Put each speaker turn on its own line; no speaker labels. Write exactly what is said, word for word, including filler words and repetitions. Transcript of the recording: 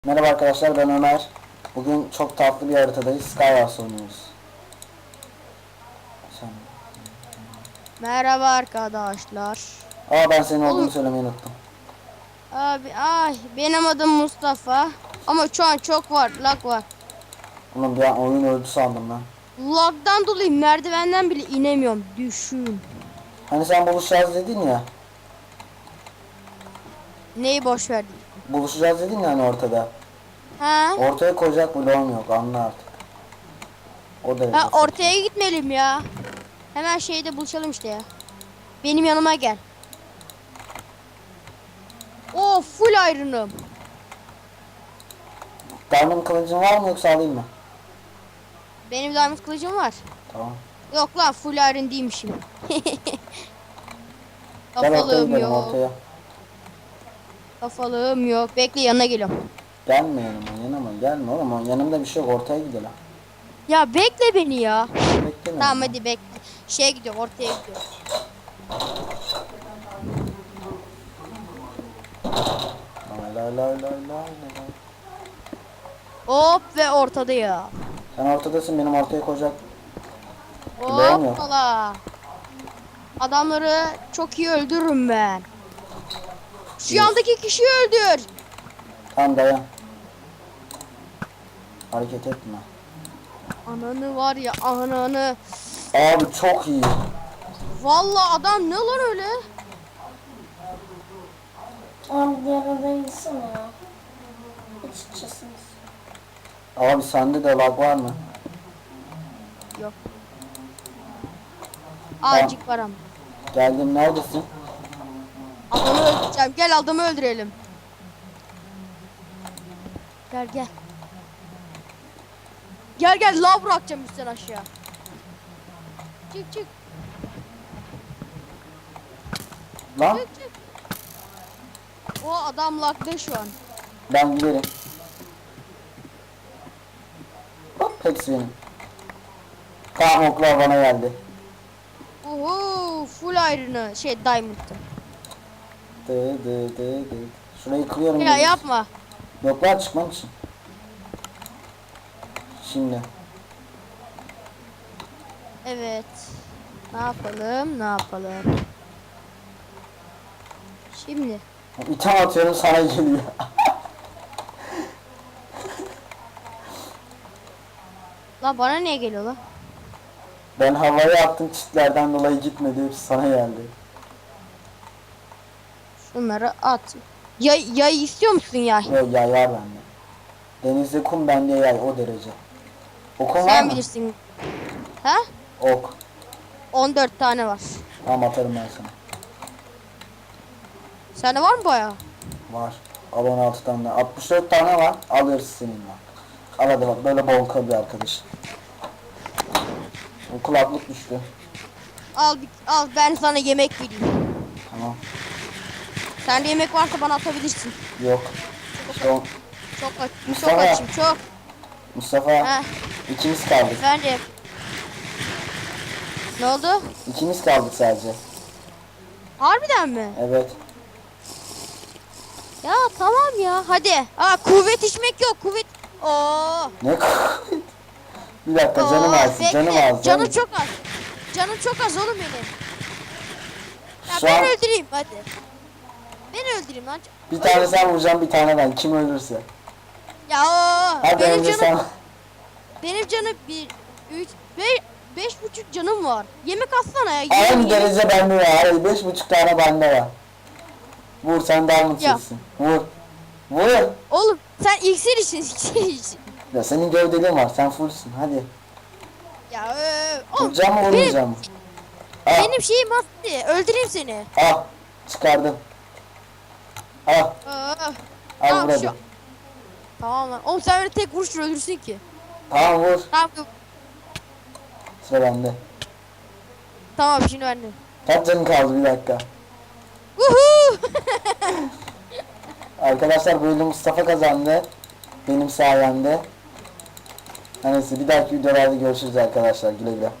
Merhaba arkadaşlar, ben Ömer. Bugün çok tatlı bir haritadayız. Skywars oynuyoruz. Sen...
Merhaba arkadaşlar.
Aa, ben senin olduğunu
Oğlum
söylemeyi unuttum.
abi ay benim adım Mustafa. Ama şu an çok var lag var.
Oğlum bir an oyun öldü sandım ben.
Lagdan dolayı merdivenden bile inemiyorum. Düşün.
Hani sen buluşacağız dedin ya.
Neyi boş verdik?
Buluşacağız dedin ya hani ortada.
Ha?
Ortaya koyacak bloğum yok, anla artık. O derece
Ha
saçma.
ortaya gitmeyelim ya. Hemen şeyde buluşalım işte ya. Benim yanıma gel. O full iron'ım.
Diamond kılıcın var mı yoksa alayım mı?
Benim diamond kılıcım var.
Tamam.
Yok lan full iron değilmişim.
Gel ortaya
Kafalığım
gidelim,
yok.
ortaya.
Kafalığım yok. Bekle yanına geliyorum.
Gelme yanıma, yanıma gelme oğlum. Yanımda bir şey yok, ortaya gidelim.
Ya bekle beni ya.
Bekleme.
Tamam hadi bekle. Şeye gidiyor, ortaya gidiyor.
Lay lay lay lay lay lay.
Hop ve ortada ya.
Sen ortadasın, benim ortaya koyacak bloğum yok.
Hoppala. Adamları çok iyi öldürürüm ben. Şu yandaki kişiyi öldür.
Tamam, dayan. Hareket etme.
Ananı var ya ananı.
Abi çok iyi.
Vallahi adam ne lan öyle?
Abi diğer odaya gitsene ya. Hiç içesiniz.
Abi sende de lag var mı?
Yok. Azıcık var ama.
Geldim, neredesin?
Adamı öldüreceğim. Gel adamı öldürelim. Gel gel. Gel gel lav bırakacağım üstten aşağı. Çık çık
Lan
çık çık. O adam lagda şu an.
ben giderim. Hop, hepsi benim. Tamam, oklar bana geldi.
Uhu full iron'ı şey diamond'ı.
Dı dı dı dı. Şurayı kırıyorum.
Ya
dedim.
yapma.
Yoklar çıkmam için. Şimdi.
Evet. Ne yapalım ne yapalım. Şimdi.
İtem atıyorum, sana geliyor.
La bana niye geliyor la?
Ben havaya attım, çitlerden dolayı gitmedi. Hepsi sana geldi.
Şunları at. Yay, yay istiyor musun yay?
Yok, yay var bende. Denizde kum, bende yay, o derece. Okun var
Sen
mı?
bilirsin. Ha?
Ok.
on dört tane var.
Tamam, atarım ben sana.
Sende var mı bayağı?
Var. Al on altı tane daha. altmış dört tane var. Alırız seninle. Al hadi bak, böyle bol kal bir arkadaş. O kulaklık düştü.
Al bir- al ben sana yemek vereyim.
Tamam.
Sende yemek varsa bana atabilirsin.
Yok. İşte o,
Çok aç, çok
Mustafa.
açım çok.
Mustafa.
Heh,
ikimiz kaldık.
efendim. Ne oldu?
İkimiz kaldık sadece.
Harbiden mi?
Evet.
Ya tamam ya hadi. Aa kuvvet içmek yok kuvvet. Oo.
Ne Bir dakika, canım
Oo,
az.
bekle.
Canım az.
Canım çok az. Canım çok az oğlum benim. Ya
Şu
ben
an
öldüreyim hadi. Ben öldüreyim lan.
bir tane sen vuracaksın, bir tane ben. Kim ölürse.
Ya oo,
Hadi
benim
önce
canım
sen.
benim canım bir üç beş beş buçuk canım var. Yemek atsana ya.
Aynı
yemek-
derece bende var. Hayır, beş buçuk tane bende var. Vur, sen daha
Ya.
mutsuzsun. Vur. Vur.
Oğlum sen iksir için iksir için.
Ya senin gövdeliğin var. Sen fullsün. Hadi.
Ya ee, oğlum
Vuracağım mı,
benim,
vurmayacağım mı? Al.
benim şeyim attı. Öldüreyim seni.
Al. Çıkardım. Al.
Aa,
Al,
tamam,
vur hadi.
şu- tamam lan. Oğlum sen öyle tek vuruşla öldürsün ki.
Tamam, vur.
Tamam.
Sıra bende.
Tamam şimdi ben de.
Kaç canın kaldı, bir dakika.
Uhu!
Arkadaşlar, bu yıl Mustafa kazandı. Benim sayemde. Neyse, bir dahaki videolarda görüşürüz arkadaşlar. Güle güle.